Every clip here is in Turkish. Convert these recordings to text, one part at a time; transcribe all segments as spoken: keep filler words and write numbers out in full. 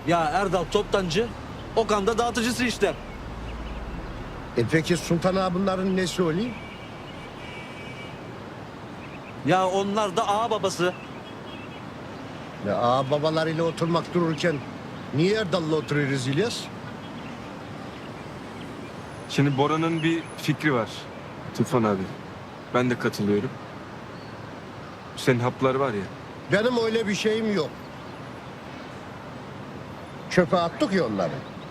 Ya Erdal toptancı, Okan da dağıtıcısı işte. E peki Sultan ağa bunların nesi oluyor? Ya onlar da ağa babası. Ya ağa babalarıyla oturmak dururken niye Erdal'la oturuyoruz İlyas? Şimdi Bora'nın bir fikri var Tufan abi. Ben de katılıyorum. Senin haplar var ya. Benim öyle bir şeyim yok. Çöpe attık ya onları.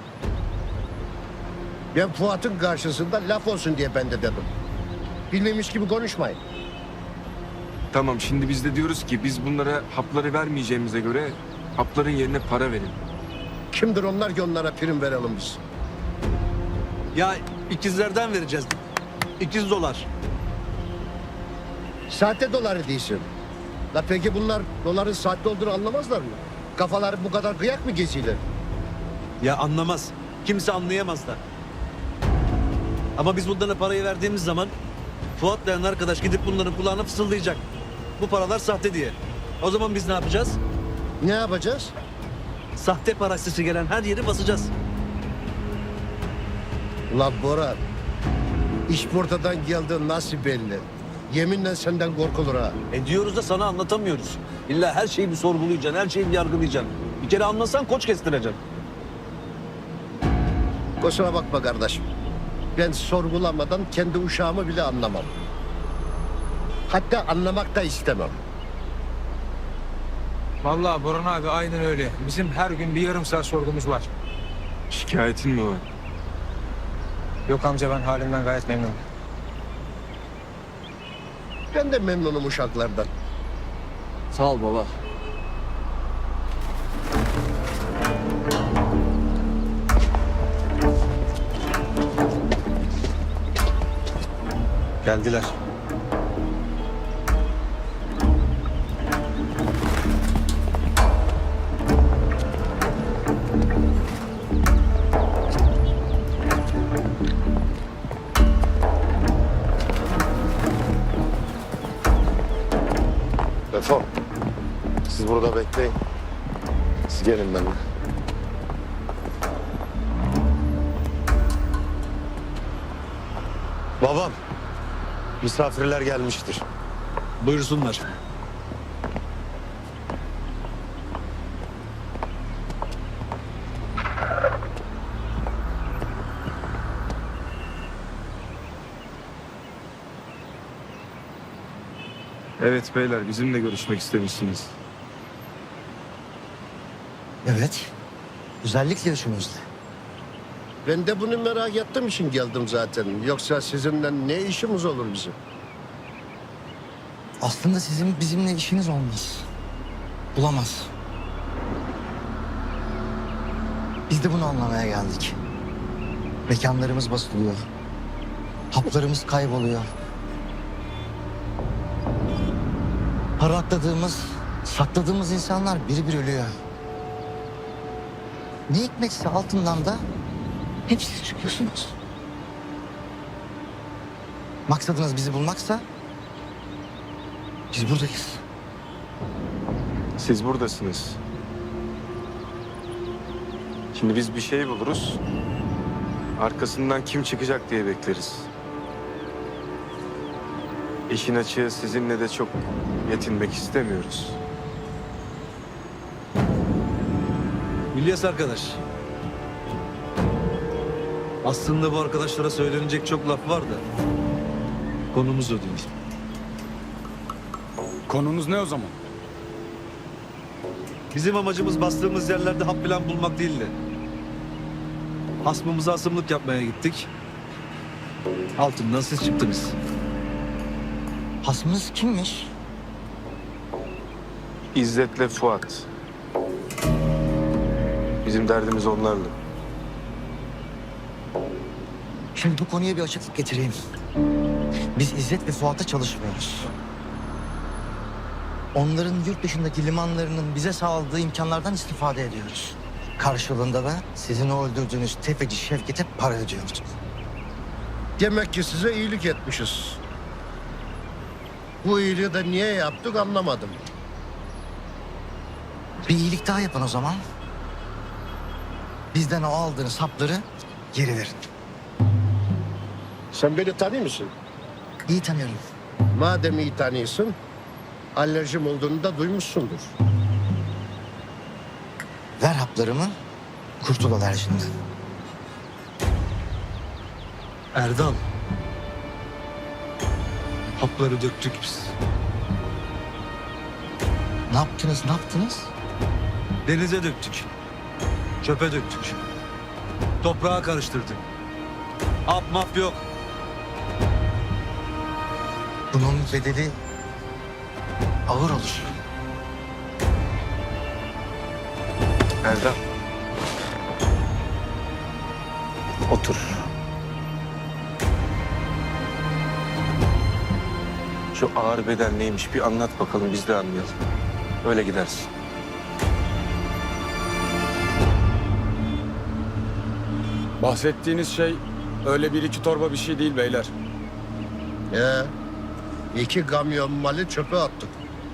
Ben Fuat'ın karşısında laf olsun diye ben de dedim. Bilmemiş gibi konuşmayın. Tamam, şimdi biz de diyoruz ki biz bunlara hapları vermeyeceğimize göre hapların yerine para verin. Kimdir onlar ki onlara prim verelim biz? Ya ikizlerden vereceğiz. İkiz dolar. Sahte doları değilsin. La peki bunlar doların sahte olduğunu anlamazlar mı? Kafaları bu kadar kıyak mı geziyorlar? Ya anlamaz. Kimse anlayamaz da. Ama biz bunlara parayı verdiğimiz zaman Fuat denen arkadaş gidip bunların kulağına fısıldayacak. Bu paralar sahte diye. O zaman biz ne yapacağız? Ne yapacağız? Sahte parasisi gelen her yeri basacağız. Ulan Bora, iş portadan geldi nasıl belli? Yeminle senden korkulur ha. E diyoruz da sana anlatamıyoruz. İlla her şeyi bir sorgulayacaksın, her şeyi bir yargılayacaksın. Bir kere anlasan koç kestireceksin. Kusura bakma kardeşim. Ben sorgulamadan kendi uşağımı bile anlamam. Hatta anlamak da istemem. Vallahi Burhan abi aynen öyle. Bizim her gün bir yarım saat sorgumuz var. Şikayetin mi var? Yok amca, ben halimden gayet memnunum. Ben de memnunum uşaklardan. Sağ ol baba. Geldiler. Defol. Siz burada bekleyin. Siz gelin benimle. Babam, misafirler gelmiştir. Buyursunlar. Evet beyler, bizimle görüşmek istemişsiniz. Evet. Özellikle üçümüzle. Ben de bunu merak ettiğim için geldim zaten. Yoksa sizinle ne işimiz olur bizim? Aslında sizin bizimle işiniz olmaz. Bulamaz. Biz de bunu anlamaya geldik. Mekanlarımız basılıyor. Haplarımız kayboluyor. Para akladığımız, sakladığımız insanlar biri bir ölüyor. Ne hikmetse altından da hep siz çıkıyorsunuz. Maksadınız bizi bulmaksa biz buradayız. Siz buradasınız. Şimdi biz bir şey buluruz. Arkasından kim çıkacak diye bekleriz. İşin açığı sizinle de çok yetinmek istemiyoruz. İlyas arkadaş. Aslında bu arkadaşlara söylenecek çok laf var da konumuz o değil. Konunuz ne o zaman? Bizim amacımız bastığımız yerlerde hap falan bulmak değildi. Hasmımıza asımlık yapmaya gittik. Altından siz çıktınız. Hasmınız kimmiş? İzzet'le Fuat. Bizim derdimiz onlarla. Şimdi bu konuya bir açıklık getireyim. Biz İzzet ve Fuat'a çalışmıyoruz. Onların yurt dışındaki limanlarının bize sağladığı imkanlardan istifade ediyoruz. Karşılığında da sizin o öldürdüğünüz tefeci Şevket'e para ödüyoruz. Demek ki size iyilik etmişiz. Bu iyiliği de niye yaptık anlamadım. Bir iyilik daha yapın o zaman. Bizden o aldığınız hapları geri verin. Sen beni tanıyor musun? İyi tanıyorum. Madem iyi tanıyorsun, alerjim olduğunu da duymuşsundur. Ver haplarımı, kurtul alerjinden. Erdal. Hapları döktük biz. Ne yaptınız, ne yaptınız? Denize döktük. Çöpe döktük. Toprağa karıştırdık. Hap map yok. Bunun bedeli ağır olur. Erdem. Otur. Şu ağır bedel neymiş bir anlat bakalım biz de anlayalım. Öyle gidersin. Bahsettiğiniz şey öyle bir iki torba bir şey değil beyler. Ee, iki kamyon malı çöpe attık.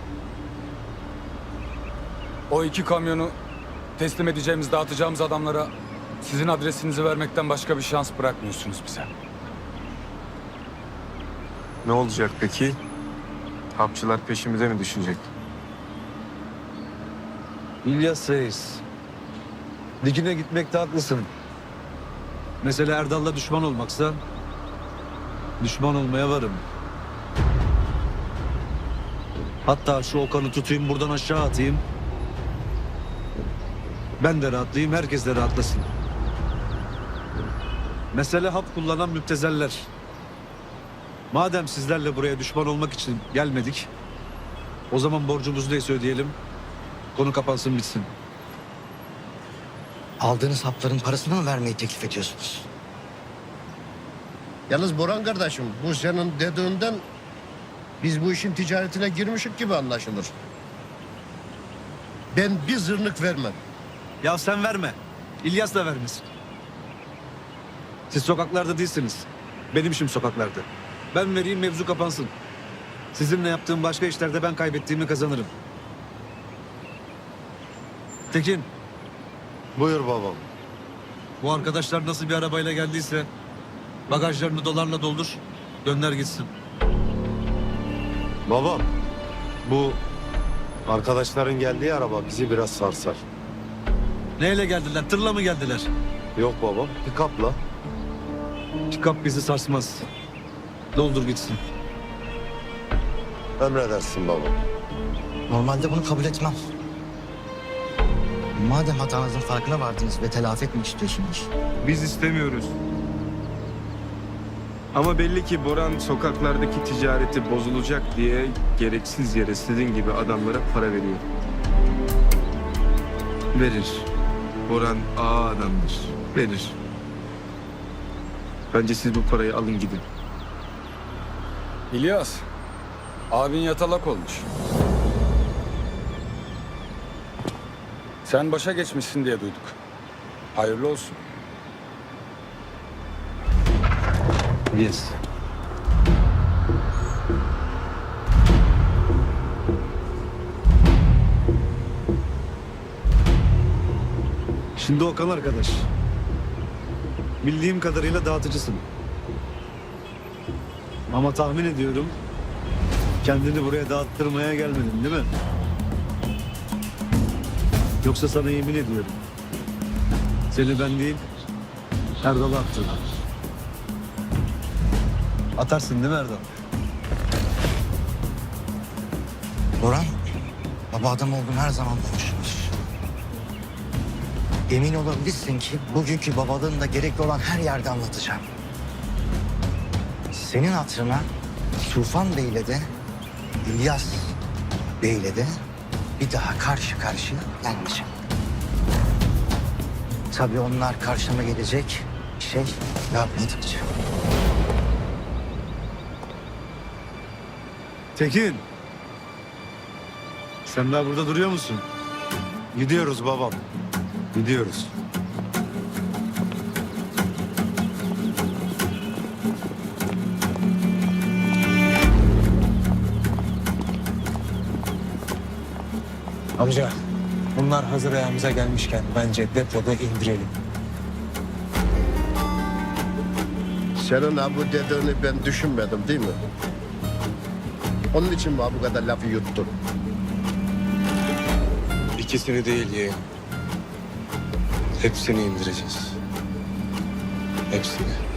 O iki kamyonu teslim edeceğimiz, dağıtacağımız adamlara sizin adresinizi vermekten başka bir şans bırakmıyorsunuz bize. Ne olacak peki? Hapçılar peşimize mi düşecek? İlyas Reis. Dikine gitmekte haklısın. Mesele Erdal'la düşman olmaksa düşman olmaya varım. Hatta şu Okan'ı tutayım buradan aşağı atayım. Ben de rahatlayayım, herkes de rahatlasın. Mesele hap kullanan müptezeller. Madem sizlerle buraya düşman olmak için gelmedik, o zaman borcumuz neyse ödeyelim. Konu kapansın bitsin. Aldığınız hapların parasını mı vermeyi teklif ediyorsunuz? Yalnız Boran kardeşim, bu senin dediğinden biz bu işin ticaretine girmişik gibi anlaşılır. Ben bir zırnık vermem. Ya sen verme. İlyas da vermesin. Siz sokaklarda değilsiniz. Benim işim sokaklarda. Ben vereyim, mevzu kapansın. Sizinle yaptığım başka işlerde ben kaybettiğimi kazanırım. Tekin, Buyur babam. bu arkadaşlar nasıl bir arabayla geldiyse bagajlarını dolarla doldur, gönder gitsin. Babam, bu arkadaşların geldiği araba bizi biraz sarsar. Neyle geldiler? Tırla mı geldiler? Yok babam, pikapla. Pikap bizi sarsmaz. Doldur gitsin. Emredersin babam. Normalde bunu kabul etmem. Madem hatanızın farkına vardınız ve telafi etmek istiyorsunuz, Biz istemiyoruz. Ama belli ki Boran sokaklardaki ticareti bozulacak diye gereksiz yere sizin gibi adamlara para veriyor. Verir. Boran ağa adamdır. Verir. Bence siz bu parayı alın gidin. İlyas, abin yatalak olmuş. Sen başa geçmişsin diye duyduk. Hayırlı olsun. Yes. Şimdi Okan arkadaş. Bildiğim kadarıyla dağıtıcısın. Ama tahmin ediyorum kendini buraya dağıttırmaya gelmedin değil mi? Yoksa sana yemin ediyorum. Seni ben değil, Erdal'a attım. Atarsın değil mi Erdal? Boran, baba adam olduğunu her zaman konuşmuş. Emin olabilirsin ki bugünkü babalığında gerekli olan her yerde anlatacağım. Senin hatırına Tufan Bey'le de İlyas Bey'le de bir daha karşı karşıya gelmeyeceğim. Tabii onlar karşıma gelecek şey yapmadıkça. Tekin. Sen daha burada duruyor musun? Gidiyoruz babam. Gidiyoruz. Amca bunlar hazır ayağımıza gelmişken bence depoda indirelim. Senin ha bu dediğini ben düşünmedim değil mi? Onun için mi ha bu kadar lafı yuttun? İkisini değil yeğen. Hepsini indireceğiz. Hepsini.